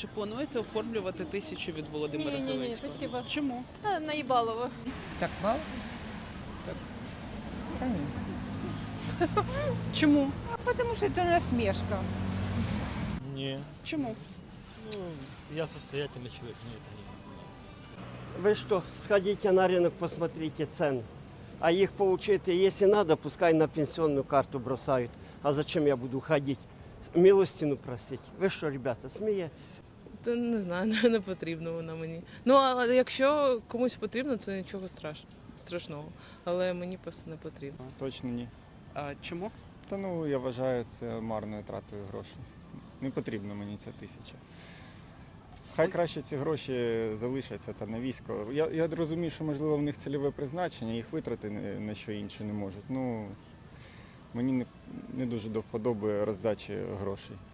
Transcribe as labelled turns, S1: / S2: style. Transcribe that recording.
S1: Чи плануєте оформлювати 1000 від Володимира
S2: Ні,
S1: Зеленського?
S2: спасибо.
S1: Чому?
S2: Наїбалово.
S3: Так мало? Так. Та ні.
S1: Чому?
S3: Потому что это насмешка.
S4: Не.
S1: Чому?
S4: Ну, я состоятельный человек, мне это не надо.
S5: Вы что, сходите на рынок, посмотрите цены. А их получить, если надо, пускай на пенсионную карту бросают. А зачем я буду ходить, милостину просить? Ви що, ребята, смієтеся?
S6: Та не знаю, не потрібно вона мені. Ну, а якщо комусь потрібно, це нічого страшного. Але мені просто не потрібно.
S7: Точно ні.
S1: А чому?
S7: Та ну я вважаю це марною тратою грошей. Не потрібно мені ця 1000. Хай краще ці гроші залишаться та на військо. Я розумію, що можливо в них цільове призначення, їх витрати на що інше не можуть. Ну мені не дуже до вподоби роздачі грошей.